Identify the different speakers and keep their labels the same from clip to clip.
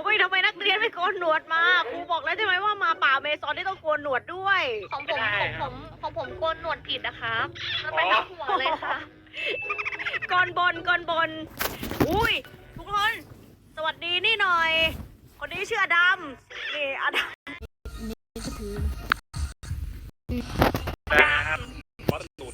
Speaker 1: ฮ้ยทำไมนักเรียนไม่โกนหนวดมาครูบอกแล้วใช่ไหมว่ามาป่าเมซอนที่ต้องโกนหนวดด้วย
Speaker 2: ของผมโกนหนวดผิดนะครับมันไปทั้งหัวเลยค่ะ
Speaker 1: ก่อนบนอุ้ยทุกคนสวัสดีนี่หน่อย คนนี้ชื่ออดัมนี่อดัม
Speaker 3: วัดตูด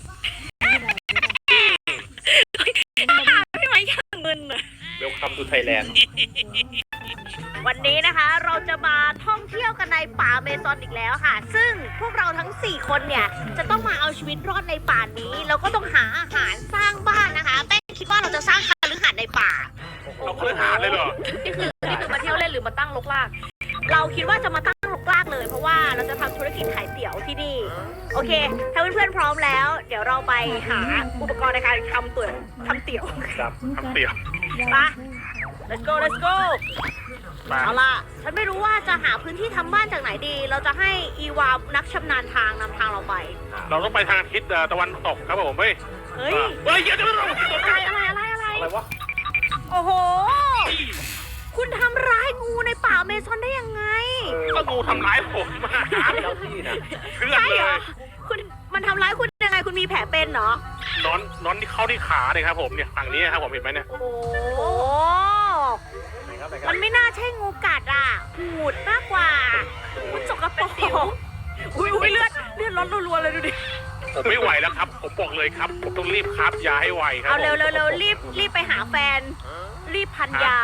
Speaker 1: ไม่ไหวย่างเงินอะ
Speaker 3: เวลคัมทูไทยแลนด์
Speaker 1: วันนี้นะคะเราจะมาท่องเที่ยวกันในป่าเมซอนอีกแล้วค่ะ ซึ่งพวกเราทั้ง4คนเนี่ยจะต้องมาเอาชีวิตรอดในป่านี้แล้วก็ต้องหาอาหารสร้างบ้านนะคะแป้งคิดว่าเราจะสร้างคฤหาสน์ในป่า
Speaker 3: เราเคยหาเลยเหรอ
Speaker 2: นี่คือมาเที่ยวเล่นหรือมาตั้งรกราก
Speaker 1: เราคิดว่าจะมาตั้งรกรากเลยเพราะว่าเราจะทำธุรกิจขายเตี๋ยวที่นี่โอเคถ้าเพื่อนๆพร้อมแล้ว เดี๋ยวเราไปหาอุปกรณ์ในการทำเตี๋ยว
Speaker 3: ครับทำเตี๋ยว
Speaker 1: ไป let's go
Speaker 3: มา
Speaker 1: เอาล่ะฉันไม่รู้ว่าจะหาพื้นที่ทำบ้านจากไหนดี เราจะให้อีวานักชำนาญทางนำทางเราไป
Speaker 3: เราต้องไปทางทิศตะวันตกครับผมเฮ้ย
Speaker 1: เฮ้ย
Speaker 3: เฮ้ยเดี๋ยวเรา
Speaker 1: อะไร
Speaker 3: วะ
Speaker 1: โอ้โห คุณทำร้ายงูในป่าเมซอนได้ยังไง
Speaker 3: ก็งูทำร้ายผมมาเจ้าที่นะเพื่อน
Speaker 1: ใช่
Speaker 3: เล
Speaker 1: เหรอย คุณมันทำร้ายคุณยังไงคุณมีแผลเป็นเหรอ
Speaker 3: นอนที่เข้าที่ขาเลยครับผมเนี่ยฝั่งนี้ครับผมเห็นไหมเนี่ย
Speaker 1: โอ้โหมันไม่น่าใช่งูกัดอ่ะหูดมากกว่ามันสกปรกอุ้ยเลือดลดรัวๆเลยดูดิ
Speaker 3: ผมไม่ไหวแล้วครับ ผมบอกเลยครับ ผมต้องรีบคาบยาให้ไวครับ
Speaker 1: เอาเร็วรีบไปหาแฟน รีบพันยา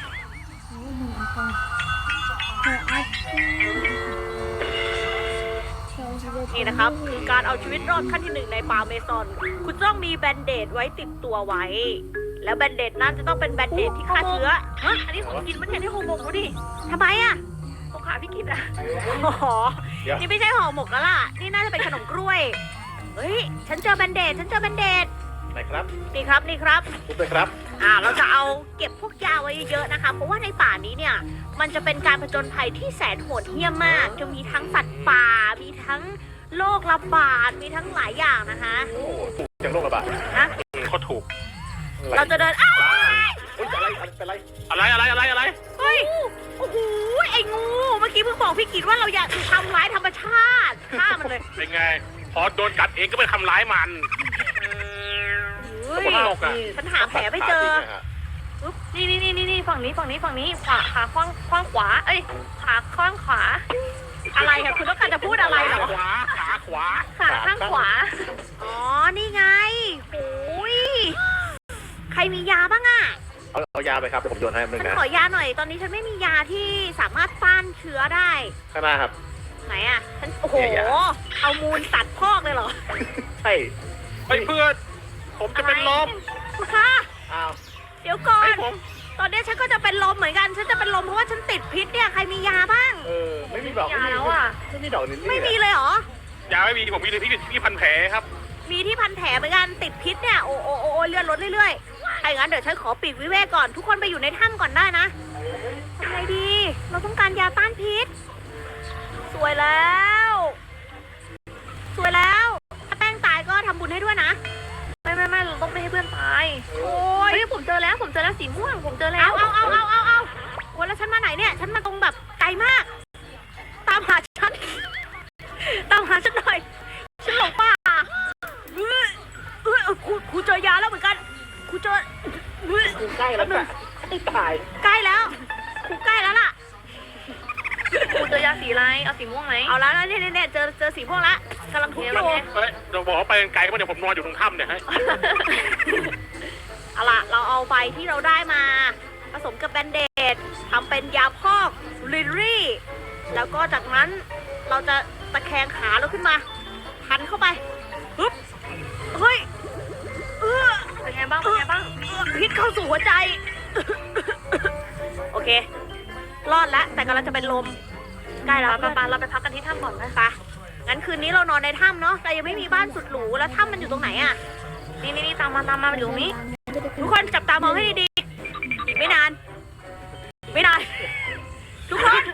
Speaker 1: นี่นะครับคือการเอาชีวิตรอดขั้นที่ 1ในป่าเมซอน คุณต้องมีแบนเดดไว้ติดตัวไว้ แล้วแบนเดดนั้นจะต้องเป็นแบนเดดที่ฆ่าเชื้อ
Speaker 2: ฮะอันนี้ของกินมันเนี่ยที่โฮโมกดูดิ
Speaker 1: ทำไมอ่ะ
Speaker 2: ของขาพี่กินอะ
Speaker 1: อ๋อนี่ไม่ใช่ห่อหมกแล้วล่ะ นี่น่าจะเป็นขนมกล้วย เฮ้ย ฉันเจอแบนเดด
Speaker 3: ไหนครับ
Speaker 1: นี่ครับ
Speaker 3: พูดไปครับ
Speaker 1: เราจะเอาเก็บพวกยาไว้เยอะๆนะคะ เพราะว่าในป่านี้เนี่ย มันจะเป็นการผจญภัยที่แสนโหดเหี้ยมมาก จะมีทั้งสัตว์ป่า มีทั้งโรคระบาด มีทั้งหลายอย่างนะคะ
Speaker 3: โอ้ถูกจังโรคระบาด
Speaker 1: ฮะ
Speaker 3: เขาถูก
Speaker 1: เราจะเดิน อ้าว
Speaker 3: เฮ้ยอะไร
Speaker 1: เฮ้ย โอ้โห ไอ้งู เมื่อกี้เพิ่งบอกพี่กิตว่าเราอยากทำร้ายธรรมชาติฆ่ามันเลย
Speaker 3: เป็นไง พอโดนกัดเองก็ไปทำร้ายมัน
Speaker 1: เฮ้ย
Speaker 3: คนละโลกอะ
Speaker 1: ฉันหาแผลไม่เจอ
Speaker 2: นี่ฝั่งนี้ขวาขาข้างขวาเอ้ยขาข้างขวา
Speaker 1: อะไรคะคุณต้องการจะพูดอะไรเหรอ
Speaker 3: ขาขวา
Speaker 2: ขาข้างขวา
Speaker 1: อ๋อ นี่ไงโอ้ยใครมียาบ้างอะ
Speaker 3: เอายาไปครับเดี๋ยวผมโยนให้มึง
Speaker 1: ฉัน
Speaker 3: นะ
Speaker 1: ขอยาหน่อย ตอนนี้ฉันไม่มียาที่สามารถต้านเชื้อได้
Speaker 3: ข้างหน้าครับ
Speaker 1: ไหนอะฉัน โอ้โห
Speaker 3: เนี่ยยา
Speaker 1: เอามูลสัตว์พอกเลยเหรอ
Speaker 3: ใช่เฮ้ยเพื่อน ผมจะเป็นลม
Speaker 1: ค่ะ
Speaker 3: อ้าว
Speaker 1: เดี๋ยวก่อน
Speaker 3: ให้ผม
Speaker 1: ตอนนี้ฉันก็จะเป็นลมเหมือนกัน ฉันจะเป็นลมเพราะว่าฉันติดพิษเนี่ย ใครมียาบ้าง
Speaker 3: ไม่มีดอก
Speaker 2: ยาแล้วอะ
Speaker 3: ไม่มีดอกนิดนี่
Speaker 1: ไม่มีเลยเหรอ
Speaker 3: ยาไม่มีผมมีที่พันแผลครับ
Speaker 1: มีที่พันแผลเหมือนกันติดพิษเนี่ย โอ้เลือดลดเรื่อยๆถ้าอย่างนั้นเดี๋ยวฉันขอปีกวิเวกก่อน ทุกคนไปอยู่ในถ้ำก่อนได้นะทำไงดี เราต้องการยาต้านพิษ สวยแล้วถ้าแป้งตายก็ทำบุญให้ด้วยนะ
Speaker 2: ไม่เราต้องไม่ให้เพื่อนตาย
Speaker 1: โอ้ย
Speaker 2: เฮ้ยผมเจอแล้วสีม่วงผมเจอแล้ว
Speaker 1: เอาโอ้ยแล้วฉันมาไหนเนี่ย ฉันมาตรงแบบไกลมาก ตามหาฉันหน่อย ฉันหลงป่าครูเจอยาแล้วเหมือนกันครูเจอ
Speaker 3: ใกล้แล้วค่ะไม่ตาย
Speaker 1: ใกล้แล้วครูใกล้แล้วล่ะ
Speaker 2: คุณเจอยาสีอะไรเอาสีม่วงไหม
Speaker 1: เอาแล้วเนี่ยเจอสีพวกละกำลังทุบอยู่
Speaker 3: เฮ้ยเราบอกว่าไปไกลก็เดี๋ยวผมนอนอยู่ตรงถ้ำเนี่ยฮะ
Speaker 1: เอาล่ะเราเอาใบที่เราได้มาผสมกับแบนเดดทำเป็นยาพอกลิลลี่ แล้วก็จากนั้นเราจะตะแคงขาเราขึ้นมาพันเข้าไปปึ๊บเฮ้ย
Speaker 2: เป็นไงบ้าง
Speaker 1: พิษเข้าสู่หัวใจ โอเค รอดแล้วแต่กำลังจะเป็นลมใกล้แล้ว
Speaker 2: เราไปพักกันที่ถ้ำก่อนนะ
Speaker 1: ไปงั้นคืนนี้เรานอนในถ้ำเนาะแต่ยังไม่มีบ้านสุดหรูแล้วถ้ำมันอยู่ตรงไหนอะ
Speaker 2: นี่ตามมาอยู่ตรงนี้
Speaker 1: ทุกคนจับตามองให้ดีๆอีกไม่นานทุกคน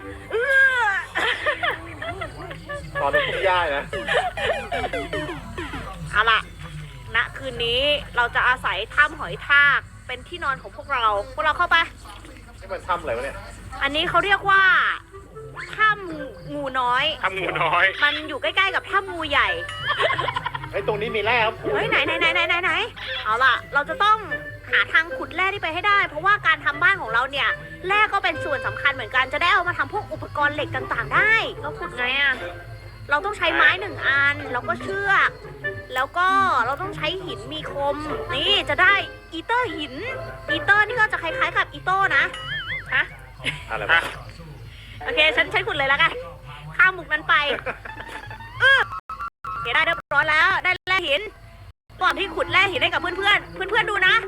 Speaker 3: ตอนนี้พุ่งย่ายนะ
Speaker 1: เอาล่ะณคืนนี้เราจะอาศัยถ้ำหอยทากเป็นที่นอนของพวกเราเข้าไป
Speaker 4: นี่มันถ้ำอะไรวะเนี่ย
Speaker 1: อันนี้เขาเรียกว่าถ้ำงูน้อย
Speaker 3: ทำงูน้อย
Speaker 1: มันอยู่ใกล้ๆกับถ้ำงูใหญ่
Speaker 4: ไอ้ยตรงนี้มีแร่ครับ
Speaker 1: เฮ้ยไหนเอาล่ะ เราจะต้องหาทางขุดแร่ที่ไปให้ได้ เพราะว่าการทำบ้านของเราเนี่ยแร่ก็เป็นส่วนสำคัญเหมือนกันจะได้เอามาทำพวกอุปกรณ์เหล็กต่างๆ ได้
Speaker 2: เราขุดไงอ่ะ
Speaker 1: เราต้องใช้ไม้หนึ่งอันแล้วก็เชือกแล้วก็เราต้องใช้หินมีคมนี่จะได้อีเตอร์หินอีเตอร์นี่ก็จะคล้ายๆกับอีโต้นะฮะ
Speaker 4: อะไร
Speaker 3: ฮะ
Speaker 4: วะ
Speaker 1: โอเคฉันขุดเลยแล้วกันข้ามมุกนั้นไปโอเคได้เรียบร้อยแล้วได้แร่หินก่อนที่ขุดแร่หินให้กับเพื่อนๆดูนะ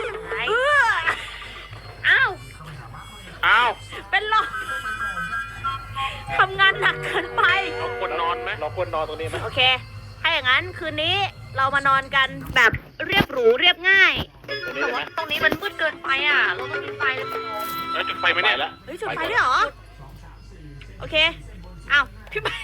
Speaker 1: อ้าว
Speaker 3: อ้าว
Speaker 1: เป็นลมทำงานหนักเกินไป
Speaker 3: เราควรนอนไหม
Speaker 4: เราควรนอนตรงนี้ไหม
Speaker 1: โอเค ถ้าอย่างนั้นคืนนี้เรามานอนกันแบบเรียบหรูเรียบง่าย
Speaker 4: ตรงนี้
Speaker 2: แต่
Speaker 4: ได้ไหม
Speaker 2: ว่าตรงนี้มันมืดเกินไปอ่ะ เราต้องมีไฟเลยคุณ
Speaker 3: แล้วจุดไฟไหมเนี่ย
Speaker 4: แล้ว
Speaker 1: เฮ้ยจุดไฟด้วยเหรอ โอเคอ้าวพี่ไป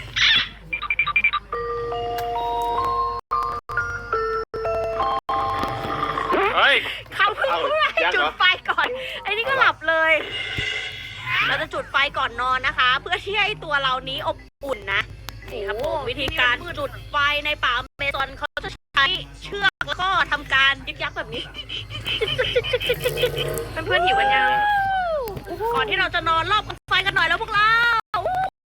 Speaker 3: เฮ้ย
Speaker 1: เขาเพิ่งพูดให้จุดไฟก่อน ไอ้นี่ก็หลับเลย เราจะจุดไฟก่อนนอนนะคะ เพื่อที่ให้ตัวเรานี้อบอุ่นนะ นี่ครับผมวิธีการจุดไฟในป่าเมซอนเขาจะใช้เชือกแล้วก็ทำการยึกยักแบบนี้
Speaker 2: เพื่อนๆหิวกันยัง
Speaker 1: ก่อนที่เราจะนอนรอบไฟกันหน่อยแล้วพวกเรา